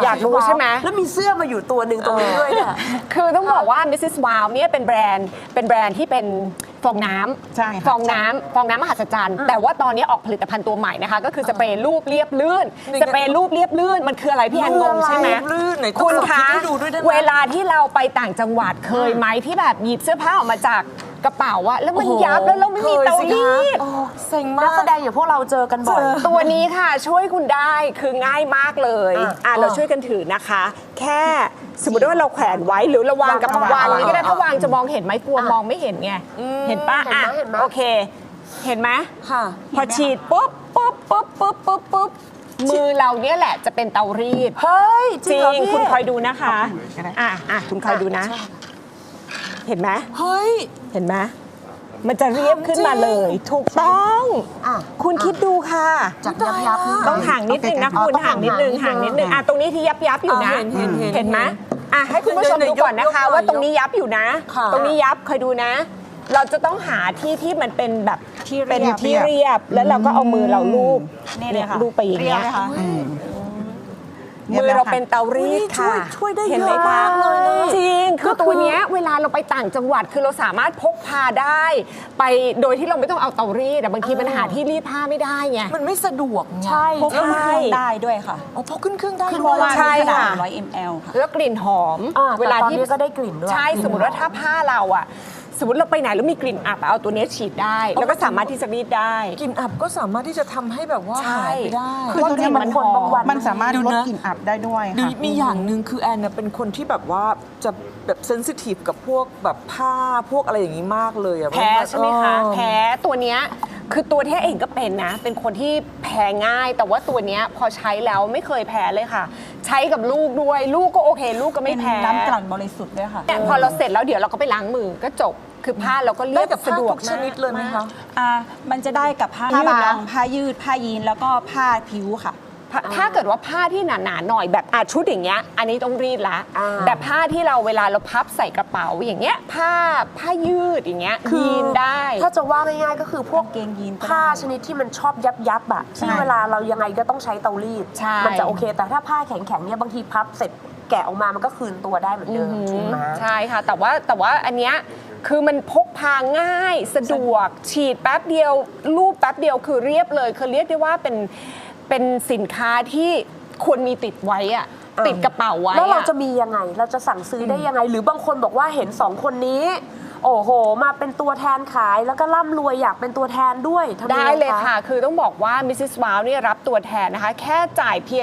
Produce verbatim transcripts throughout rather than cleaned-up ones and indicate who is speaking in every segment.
Speaker 1: อยากรู้ใช่ไหม
Speaker 2: แล้วมีเสื้อมาอยู่ตัวหนึ่งตรงนี้ด้วยเนี่ย
Speaker 1: คือต้องบอกว่า มิสซิส Wow เนี่ยเป็นแบรนด์เป็นแบรนด์ที่เป็นฟองน้ำ
Speaker 3: ใช่ค่ะ
Speaker 1: ฟองน้ำฟองน้ำมหัศจรรย์แต่ว่าตอนนี้ออกผลิตภัณฑ์ตัวใหม่นะคะก็คือสเปรย์รูปเรียบลื่นสเปรย์รูปเรียบลื่นมันคืออะไรพี่แอนงงใช่ไหม
Speaker 2: ลื่นไหน
Speaker 1: คุณคะ
Speaker 2: ให้ดูด้วยได้ไหม
Speaker 1: เวลาที่เราไปต่างจังหวัดเคยไหมที่แบบหยิบเสื้อผ้าออกมาจากกระเป๋าอะแล้วมันยับแล้วเราไม่มีเตารีด
Speaker 2: เซ็งมากนักแสดงอย่างพวกเราเจอกันบ่อย
Speaker 1: ตัวนี้ค่ะช่วยคุณได้คือง่ายมากเลยอ่ะเราช่วยกันถือนะคะ แค่สมมติว่าเราแขวนไว้หรือเราวางกับ
Speaker 2: วาง
Speaker 1: วาง
Speaker 2: วาง
Speaker 1: นี้ก็ได้ถ้าวางจะมองเห็นไหมกลัวมองไม่เห็นไงเห็นปะ
Speaker 2: เห็น
Speaker 1: อ่ะ
Speaker 2: ไหมเห็นไหม
Speaker 1: โอเค เห็นไหม
Speaker 2: ค่ะ
Speaker 1: พอฉีดปุ๊บปุ๊บปุ๊บปุ๊บปุ๊บปุ๊บมือเราเนี่ยแหละจะเป็นเตารีด
Speaker 2: เฮ้ยจ
Speaker 1: จ
Speaker 2: ริ
Speaker 1: ริ
Speaker 2: ง
Speaker 1: ง
Speaker 2: เหรอพี่
Speaker 1: คุณคอยดูนะคะอ่ะอ่ะคุณคอยดูนะ เห็นไหม
Speaker 2: เฮ้ย
Speaker 1: เห็นไหมมันจะเรียบขึ้นมาเลย ถูกต้อง
Speaker 2: อ่ะ
Speaker 1: คุณคิดดูค่ะ
Speaker 2: จากยับยับๆนี่
Speaker 1: ต้องห่างนิดนึงนะคุณ
Speaker 2: ต้อง
Speaker 1: ห่างนิดนึง
Speaker 2: ห่า
Speaker 1: ห่าง ง
Speaker 2: นิ
Speaker 1: นิ
Speaker 2: ด
Speaker 1: ด
Speaker 2: นึ
Speaker 1: นึ
Speaker 2: ง
Speaker 1: งอ่ะตรงนี้ที่ยับยับอยู่นะ
Speaker 2: เห็นเห็นเห็น
Speaker 1: เห็นไหมอ่ะให้คุณผู้ชมดูก่อนนะคะ
Speaker 2: ยกๆ
Speaker 1: ว่าตรงนี้ยับอยู่นะ
Speaker 2: ค่ะ
Speaker 1: ตรงนี้ยับคอยดูนะ เราจะต้องหาที่ที่มันเป็นแบบ
Speaker 3: ที่เรียบ
Speaker 1: เป็นที่เรียบแล้วเราก็เอามือเราลูบ
Speaker 3: นี่เลยค่ะ
Speaker 1: ลูบไปอย่างเงี้ย
Speaker 3: เรีบไหมคะ
Speaker 1: มือเราเป็นเตารีดค่ะ
Speaker 2: ช่วยได้
Speaker 1: เห็นไหม
Speaker 2: เยอะ
Speaker 1: คะ
Speaker 2: มากเลยนะ
Speaker 1: จริงคือตัวเนี้ยเวลาเราไปต่างจังหวัดคือเราสามารถพกพาได้ ไปโดยที่เราไม่ต้องเอาเตารีดแต่บางทีมันหาที่รีดผ้าไม่ได้ไง
Speaker 2: มันไม่สะดวกไง
Speaker 3: ใช่พกขึ้นเครื่องได้ด้วยค่ะ
Speaker 2: อ๋อพกขึ้นเครื่องได้
Speaker 3: เพ
Speaker 2: ด้ว
Speaker 3: ราะ
Speaker 2: ย
Speaker 3: ว่า
Speaker 1: ใช่
Speaker 3: มีขนาด
Speaker 1: ค่ะ
Speaker 3: หนึ่งร้อยมิลลิลิตร ค่ะ
Speaker 1: แล้วกลิ่นหอม
Speaker 2: อ่า
Speaker 1: เวลา
Speaker 2: แต่ตอน
Speaker 1: ที่
Speaker 2: นี้ก็ได้กลิ่นด้วย
Speaker 1: ใช่สมมติว่าถ้าผ้าเราอะสมมติเราไปไหนแล้วมีกลิ่นอับเอาตัวเนี้ยฉีดได้ แล้วก็สามารถที่จะรีดได้
Speaker 2: กลิ่นอับก็สามารถที่จะทำให้แบบว่า
Speaker 1: ใช่
Speaker 2: หายไปได้
Speaker 3: คือตัวเนี้ยมัน
Speaker 1: หอม
Speaker 2: บางวัน
Speaker 3: มันสามารถ
Speaker 2: ดู
Speaker 3: ลด
Speaker 2: นะ
Speaker 3: กลิ่นอับได้ด้วย
Speaker 2: ดู
Speaker 3: ค่ะ
Speaker 2: มีอย่างหนึ่งคือแอนเนี่ยเป็นคนที่แบบว่าจะแบบเซนซิทีฟกับพวกแบบผ้าพวกอะไรอย่างนี้มากเลยอะ
Speaker 1: แพ้ใช่ไหมคะ
Speaker 2: เออ
Speaker 1: แพ้ตัวเนี้ยคือตัวที่เองก็เป็นนะ เป็นคนที่แพ้ง่าย แต่ว่าตัวเนี้ยพอใช้แล้วไม่เคยแพ้เลยค่ะ ใช้กับลูกด้วย ลูกก็โอเค ลูกก็ไม่
Speaker 3: เป็น
Speaker 1: แพ้
Speaker 3: น้ำกลั่นบริสุทธิ์ด้วยค่ะ
Speaker 1: เนี่ยพอเราเสร็จแล้วเดี๋ยวเราก็ไปล้างมือก็จบคือผ้าเราก็เรี
Speaker 2: ได้
Speaker 1: ยบ
Speaker 2: กับผ้า
Speaker 1: สะดวก
Speaker 2: ทุกชนิดเลยไหมคะ
Speaker 3: อ่ามันจะได้กับผ้า
Speaker 1: ผ้า
Speaker 3: บา
Speaker 1: บาง
Speaker 3: งผ้ายืด ผ้ายีน แล้วก็ผ้าผิวค่ะ
Speaker 1: ผ้าถ้าเกิดว่าผ้าที่หนาๆหน่อยแบบอาชุดอย่างเงี้ยอันนี้ต้องรีดละ
Speaker 2: อ่า
Speaker 1: แต่ผ้าที่เราเวลาเราพับใส่กระเป๋าอย่างเงี้ยผ้าผ้ายืดอย่างเงี้ยยีนได้
Speaker 2: ถ้าจะว่าง่ายๆก็คือพวก
Speaker 3: กางเกงยีนก็ได้
Speaker 2: ผ้าชนิดที่มันชอบยับยับๆอะที่เวลาเรายังไงก็ต้องใช้เตารีด
Speaker 1: ใช่
Speaker 2: มันจะโอเค แต่ถ้าผ้าแข็งๆเนี่ยบางทีพับเสร็จแกะออกมามันก็คืนตัวได้เหมือนเดิมถูกไหม
Speaker 1: ใช่ค่ะ แต่ว่าแต่ว่าอันเนี้ยคือมันพกพาง่ายสะดวกฉีดแป๊บเดียวรูปแป๊บเดียวคือเรียบเลยคือเรียกได้ว่าเป็นเป็นสินค้าที่ควรมีติดไว้อะติดกระเป๋าไว้
Speaker 2: แล้วเรา
Speaker 1: อะ
Speaker 2: จะมียังไง เราจะสั่งซื้อได้ยังไง หรือบางคนบอกว่าเห็นสองคนนี้ โอ้โห มาเป็นตัวแทนขายแล้วก็ร่ำรวยอยากเป็นตัวแทนด้วยทำยัง
Speaker 1: ได้
Speaker 2: ง
Speaker 1: เลยค่ะ คือต้องบอกว่า มิสซิส Wow เนี่ยรับตัวแทนนะคะ แค่จ่ายเพียง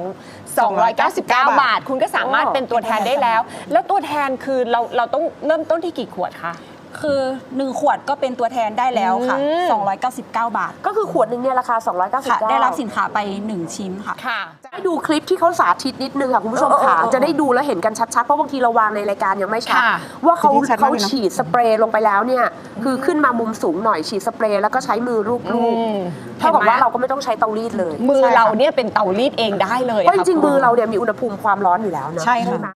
Speaker 1: 2 299 บาท คุณก็สามารถเป็นตัวแทนได้แล้ว แล้วตัวแทนคือเราเราต้องเริ่มต้นที่กี่ขวดคะ
Speaker 3: คือหนึ่งขวดก็เป็นตัวแทนได้แล้วค่ะ
Speaker 1: อืม
Speaker 3: สองร้อยเก้าสิบเก้า บาท
Speaker 2: ก็คือขวดหนึ่งเนี่ยราคา สองร้อยเก้าสิบ
Speaker 3: ค่ะ
Speaker 2: เก้า
Speaker 3: ได้รับสินค้าไปหนึ่งชิ้นค่ะ
Speaker 1: ค่ะ
Speaker 2: ให้ดูคลิปที่เขาสาธิตนิดนึงค่ะคุณผู้ชมค่ะ
Speaker 1: เออเออเออ
Speaker 2: จะได้ดูแล้วเห็นกันชัดๆ เพราะบางทีเราวางในรายการยังไม่ชัด
Speaker 1: ค่ะ
Speaker 2: ว่าเขา
Speaker 3: ทีนี้ชัดมาก
Speaker 2: เขา
Speaker 3: เลยนะ
Speaker 2: ฉีดสเปรย์ลงไปแล้วเนี่ยคือขึ้นมามุมสูงหน่อยฉีดสเปรย์แล้วก็ใช้มือรูป
Speaker 1: อืม
Speaker 2: ๆเท่ากับว่าเราก็ไม่ต้องใช้เตารีดเลย
Speaker 1: มือเราเนี่ยเป็นเตารีดเองได้เลย
Speaker 2: เพราะจ
Speaker 1: ค่ะ
Speaker 2: ริงๆ
Speaker 1: คุณ
Speaker 2: มือเราเนี่ยมีอุณหภูมิความร้อนอยู่แล้วนะ
Speaker 3: ใช่ค่ะ
Speaker 2: ไหม